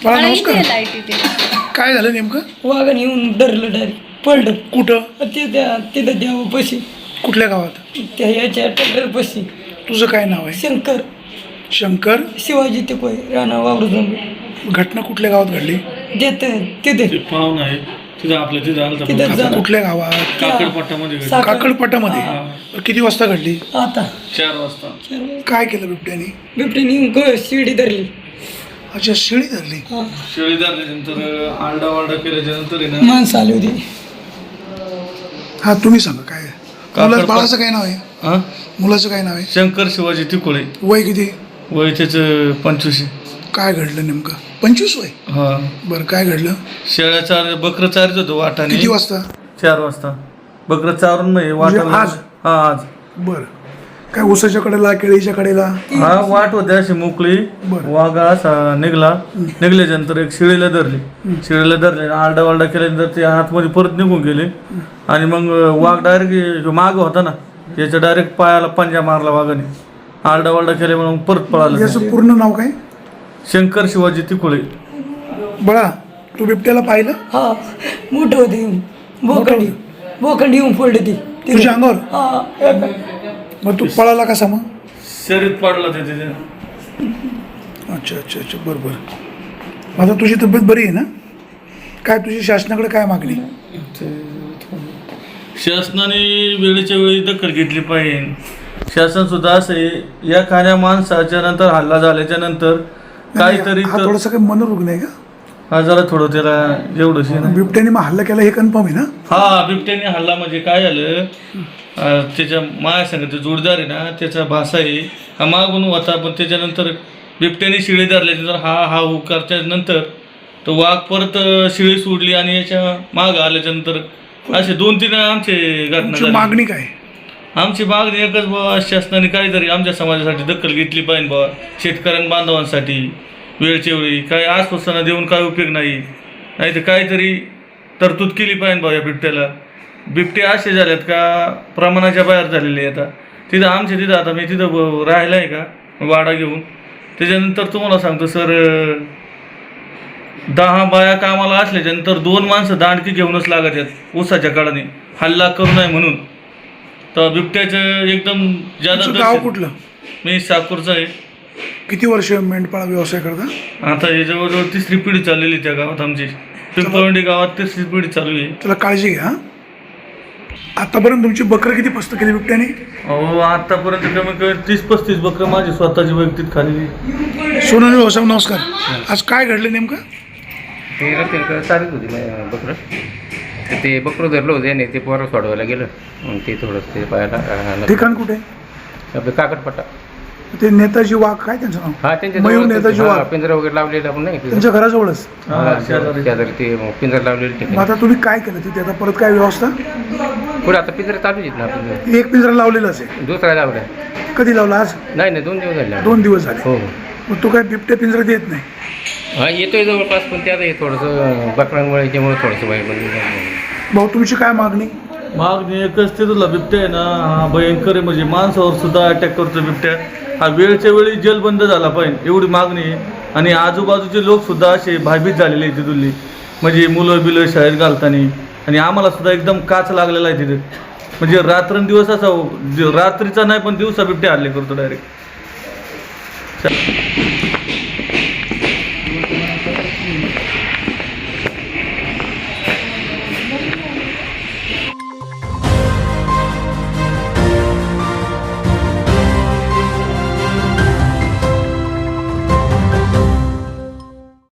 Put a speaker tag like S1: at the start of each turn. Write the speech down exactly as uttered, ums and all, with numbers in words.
S1: बाळा नमस्कार.
S2: लाईट इथे
S1: काय झालं नेमकं?
S3: वाघाने येऊन धरलं डायरेक्ट पडलं
S1: कुठं?
S3: ते त्या तिथं देवापाशी
S1: कुठल्या गावात?
S3: त्या याच्या ट्रॅक्टरपाशी.
S1: तुझं काय नाव आहे?
S3: शंकर
S1: शंकर
S3: शिवाजी ते कोय राणा वावरून
S1: घटना कुठल्या गावात घडली?
S3: देत तिथे
S4: ते पाहुणा आहे तिथं आपल्या तिथं आलं
S3: तिथं
S4: होतं
S3: जा-
S1: कुठल्या गावात?
S4: काकडपट्टामध्ये घडलं.
S3: साखर-
S1: काकडपटामध्ये. किती वाजता घडली?
S3: आता
S4: चार वाजता
S3: चार वाजता.
S1: काय केलं बिबट्याने?
S3: बिबट्याने येऊन ग शिडी धरली.
S1: अच्छा, शिळी धरली.
S3: हा.
S4: शेळी धरल्यानंतर आरडा वारडा केल्याच्या नंतर आहे ना
S3: माणसं आली होती.
S1: हा तुम्ही सांगा काय आहे?
S4: काकड-
S1: मुला बाळाचं काय नाव आहे?
S4: हा
S1: मुलाचं काय नाव आहे?
S4: शंकर शिवाजी तिकोळे
S1: वय किती?
S4: वय त्याचं पंचवीस
S1: काय घडलं नेमकं? पंचवीस वय.
S4: हा
S1: बरं, काय घडलं?
S4: शेळ्या चार बकरं चारत होतं वाटाने
S1: किती वाजता?
S4: चार वाजता बकरं चारून नाही
S1: म्हणजे
S4: वाटा
S1: आज?
S4: हा आज
S1: बरं, काय उसाच्या कडेला केळीच्या कडेला?
S4: हा वाट होते अशी मोकळी
S1: बरं.
S4: वाघा असा निघला निघल्याच्या नंतर एक शिळीला धरली शिळीला धरले आरडा वारडा केल्यानंतर ते आतमध्ये परत निघून गेले आणि मग वाघ डायरेक्ट माग होता ना याच्या डायरेक्ट पायाला पंजा मारला वाघाने आरडा वारडा केल्यामुळे मग परत पळाला
S1: याचं पूर्ण नाव काय?
S4: शंकर शिवाजी तिकोळे.
S1: बाळा, तू बिबट्याला पाहिलं?
S3: हा मोठं होते बोकंडी बोकंडी येऊन पडली ती
S1: तुझ्या अंगावर?
S3: हा एका-
S1: मग तू पळाला कसा मग?
S4: शरीर पडला ते तिथे
S1: अच्छा अच्छा अच्छा, बरं बरं. आता तुझी तब्येत बरी आहे ना? काय तुझी शासनाकडे काय मागणी?
S4: शासनाने वेळेच्या वेळी दखल घेतली पाहिजे. शासन सुद्धा असं आहे या खाण्या माणसाच्या नंतर हल्ला झाल्याच्या नंतर काहीतरी
S1: हा
S4: तर-
S1: थोडासा काही मनोरुग्ण आहे का?
S4: हा जरा थोडं त्याला एवढंच आहे ना.
S1: बिबट्याने मग हल्ला केला हे कन्फर्म आहे ना?
S4: हा बिबट्याने हल्ला म्हणजे काय झालं अं, त्याच्या माया सांगितलं जोडदार आहे ना त्याचा भाषा आहे हा मागून होता पण त्याच्यानंतर बिबट्याने शिळी धरल्यानंतर हा हा हुकारच्या नंतर तो वाघ परत अं, शिळी सोडली आणि याच्या मागं आल्याच्या नंतर असे दोन तीन आमचे घटना
S1: तुमची
S4: झाली.
S1: मागणी काय?
S4: आमची मागणी एकच बाबा शासनाने काहीतरी आमच्या समाजासाठी दखल घेतली पाहिजे बाबा शेतकऱ्यां बांधवांसाठी वेळच्या वेळी काय आश्वासनं देऊन काय उपयोग नाही नाही तर काहीतरी तरतूद केली पाहिजे बाबा या बिबट्याला. बिबटे असे झालेत का प्रमाणाच्या बाहेर झालेले आता तिथं आमच्या तिथं आता मी तिथं ब- राहिलं आहे का वाडा घेऊन त्याच्यानंतर तुम्हाला सांगतो सर दहा बाया कामाला असल्याच्यानंतर दोन माणसं दांडकी घेऊनच लागत आहेत ऊसाच्या काळाने हल्ला करू नये म्हणून. तर बिबट्याचं एकदम
S1: तुमचं गाव
S4: जादा
S1: कुठलं?
S4: मी साकूरचा आहे.
S1: किती वर्ष मेंढपाळ व्यवसाय करता?
S4: आता हे जवळजवळ तिसरी पिढी चाललेली त्या गावात आमची पिंपळवंडी गावात तिसरी पिढी चालू आहे.
S1: त्याला काळजी घ्या. आतापर्यंत तुमची बकरं किती पस्त केली बिबट्याने?
S4: अहो आतापर्यंत कमी कमी तीस पस्तीस बकरं माझी स्वतःची वैयक्तिक खाली.
S1: सोनाली भाऊसाहेब नमस्कार. आज काय घडलं नेमकं?
S5: ते रस्त्याकडे चालत होती मा- बकरं तर ते बकरं धरलं होतं आणि ते पोरं सोडवायला गेलं मग ते थोडंसं ते पायाला अं,
S1: ठिकाण कुठे?
S5: आपलं काकडपट्टा.
S1: ते नेताजी वाघ, काय त्यांचं नाव?
S5: हा त्यांच्या
S1: मयूर
S5: जवळच
S1: नेताजी
S5: होतं. हा,
S1: वाघ.
S5: पिंजरा वगैरे लावलेला पण नाही
S1: त्यांच्या घराजवळच.
S5: हा, शेजारी ते पिंजरा लावलेले
S1: मग
S5: ठिकाणी
S1: आता तुम्ही काय केलं तिथे? आता परत काय व्यवस्था?
S5: पुढे आता पिंजरा चालू आहेत ना आपण
S1: एक पिंजरा लावलेला असेल.
S5: दुसरा लावला
S1: कधी लावला? आज?
S5: नाही नाही दोन दिवस झाले
S1: दोन दिवस झाले.
S5: हो हो
S1: मग तू काय बिबट्या पिंजरा देत नाही?
S5: हा येतोय जवळपास पण ते आता हे थोडंसं बकरांमुळे याच्यामुळे थोडंसं वाईट म्हणजे
S1: भाऊ तुमची काय मागणी?
S4: मागणी एकच ते तुला बिबट्या आहे ना हा भयंकर आहे म्हणजे माणसावर सुद्धा अटॅक करतो बिबट्या. हा वेळच्या वेळी जेल बंद झाला पाहिजे एवढी मागणी आहे. आणि आजूबाजूचे लोक सुद्धा असे भयभीत झालेले आहेत तिथली म्हणजे मुलं बिलं शाळेत घालताना आणि आम्हाला सुद्धा एकदम काच लागलेला आहे तिथे म्हणजे रात्रंदिवस असा रात्रीचा नाही पण दिवसा बिबट्या हल्ले करतो डायरेक्ट.